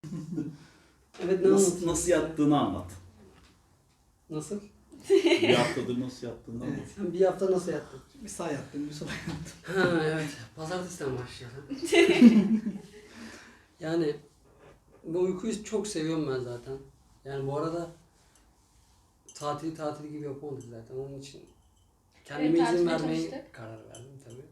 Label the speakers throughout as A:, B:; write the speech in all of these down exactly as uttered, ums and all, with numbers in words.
A: Evet, ne
B: Nasıl,
A: anlatıyorsun?
B: nasıl yattığını anlat.
A: Nasıl?
B: Bir haftadır nasıl yattığını anlat.
C: Evet.
A: Sen bir hafta nasıl yattın?
C: Bir sağ yattım, bir sola yattım.
A: Ha evet. Pazartesiden başlayalım. Yani bu uykuyu çok seviyorum ben zaten. Yani bu arada tatili tatil gibi yapamadık zaten. Onun için kendime
D: Evet,
A: izin
D: tatile
A: vermeye
D: çalıştık.
A: karar verdim tabii.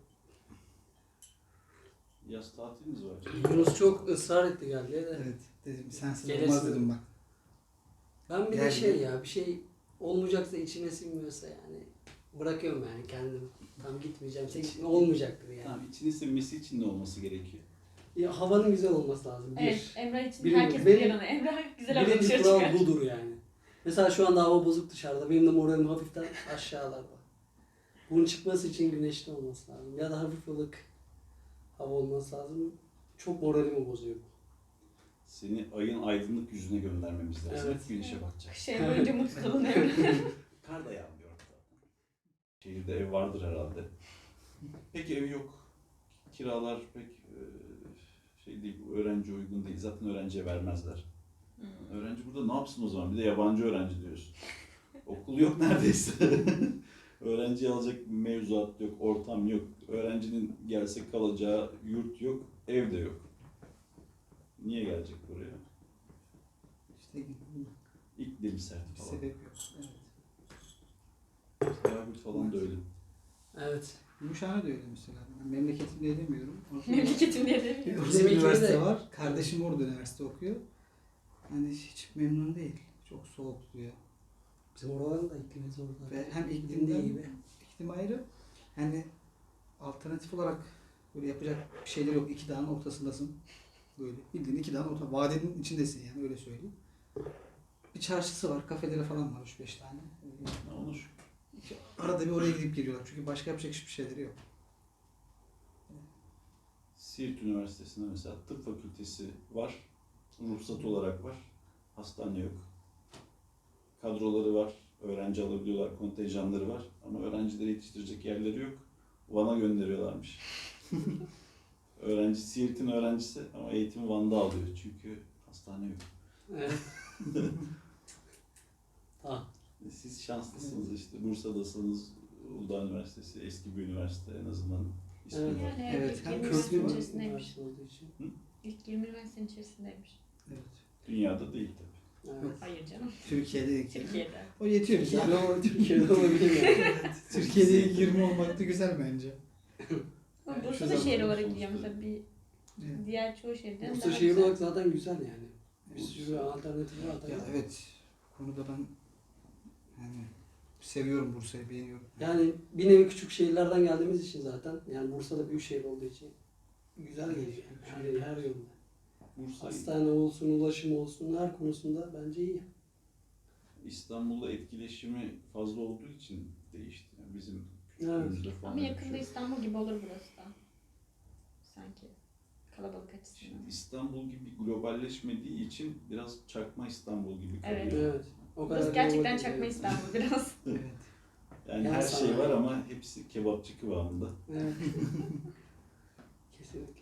B: Yaz tatilimiz var.
A: Yunus çok ısrar etti geldi de.
C: Evet, dedim sensiz
A: Gelirsin.
C: olmaz dedim bak.
A: Ben bir de
C: Geldi.
A: şey ya bir şey olmayacaksa içime sinmiyorsa yani bırakıyorum yani kendim. Tam gitmeyeceğim. Sen olmayacaktır yani.
B: Tamam, içini sinmesi için ne olması gerekiyor?
A: Ya, havanın güzel olması lazım. Bir.
D: Evet, Emrah için
A: Birinci-
D: herkes
A: benim-
D: bilir onu. Emrah güzel hava
A: Birinci
D: dışarı
A: kural
D: çıkar.
A: budur yani. Mesela şu anda hava bozuk dışarıda. Benim de moralim hafiften aşağılarda. Bunun çıkması için güneşli olması lazım. Ya da hafif ılık hava olması lazım. Çok moralimi bozuyor bu.
B: Seni ayın aydınlık yüzüne göndermemiz lazım.
A: Evet.
B: Hep güneşe bakacak.
D: Şey boyunca mutlu kalın Emrah.
B: Kar da yağmıyor zaten. Şehirde ev vardır herhalde. Peki ev yok. Kiralar pek e, şey değil, öğrenci uygun değil. Zaten öğrenciye vermezler.
D: Hmm.
B: Öğrenci burada ne yapsın o zaman? Bir de yabancı öğrenci diyorsun. Okul yok neredeyse. Öğrenciyi alacak mevzuat yok, ortam yok. Öğrencinin gelse kalacağı yurt yok, ev de yok. Niye gelecek buraya?
C: İşte
B: İklim sert
C: bir
B: falan.
C: sebep yok. Evet.
B: Selahattin falan da öyle.
A: Evet.
C: Gümüşhane de öyle mesela. Ben memleketim diye demiyorum. Orada
D: Memleketim diye demiyorum.
C: Orada
A: Bizim
C: bir üniversite
A: ikimiz de-
C: var. Kardeşim orada üniversite okuyor. Yani hiç memnun değil. Çok soğuk diyor.
A: Bizim oraların da iklimi zor.
C: Ve hem
A: İklim
C: iklimden,
A: değil gibi.
C: iklim ayrı. Yani alternatif olarak böyle yapacak bir şeyler yok. İki dağın ortasındasın. Böyle bildiğin iki dağın orta. Vadenin içindesin yani öyle söyleyeyim. Bir çarşısı var. Kafeleri falan var üç beş tane.
B: Ne olur?
C: Arada bir oraya gidip geliyorlar. Çünkü başka yapacak hiçbir şeyleri yok.
B: Siirt Üniversitesi'nde mesela tıp fakültesi var. Ruhsat olarak var. Hastane yok. Kadroları var. Öğrenci alabiliyorlar. Kontenjanları var. Ama öğrencileri yetiştirecek yerleri yok. Van'a gönderiyorlarmış. Öğrenci Siirt'in öğrencisi ama eğitimi Van'da alıyor. Çünkü hastane yok.
A: Evet. Tamam.
B: Siz şanslısınız işte. Bursa'dasınız. Uludağ Üniversitesi eski bir üniversite en azından. ismi
A: Evet.
B: var.
D: Yani
C: Evet,
D: ilk
C: hem
D: yirmi
C: köklü
D: üniversitenin
C: var,
D: içerisindeymiş.
A: Üniversite olduğu için.
D: İlk yirmi üniversitenin içerisindeymiş.
C: Evet.
B: Dünyada değil tabii.
A: Evet.
C: Yok.
D: Hayır canım.
C: Türkiye'de ilk
D: Türkiye'de.
C: O yetiyor bize.
A: Yani o Türkiye'de olabilir yani.
C: Türkiye'de ilk yirmi olmak da güzel bence.
D: Ama
C: Yani
D: Bursa
C: şu
D: da şehir
B: zaman
D: olarak
B: sonuçta-
D: gidiyor mesela bir
C: Evet.
D: diğer çoğu şehirden
A: Bursa
D: daha
A: şehir
D: güzel.
A: olarak zaten güzel yani. Bir sürü alternatif var.
C: Ya evet. Bu konuda ben yani seviyorum Bursa'yı, beğeniyorum.
A: Yani bir nevi küçük şehirlerden geldiğimiz için zaten yani Bursa'da büyük şehir olduğu için güzel geliyor yani her, her yönde.
B: Bursa,
A: Hastane olsun, ulaşım olsun her konusunda bence iyi.
B: İstanbul'la etkileşimi fazla olduğu için değişti. Yani bizim
A: Evet.
B: küçüklüğümüzde falan.
D: Ama
B: öyle bir
D: yakında
B: şey yok.
D: İstanbul gibi olur burası da. Sanki. Kalabalık açısından.
B: Şimdi İstanbul gibi globalleşmediği için biraz çakma İstanbul gibi kalıyor.
D: Evet.
A: Evet. O kadar
D: Burası gerçekten
A: kalabalık
D: çakma
A: değil.
D: İstanbul biraz.
C: Evet.
B: Yani
A: Yani
B: her
A: sanayi.
B: şey var ama hepsi kebapçı kıvamında.
A: Evet. Kesinlikle.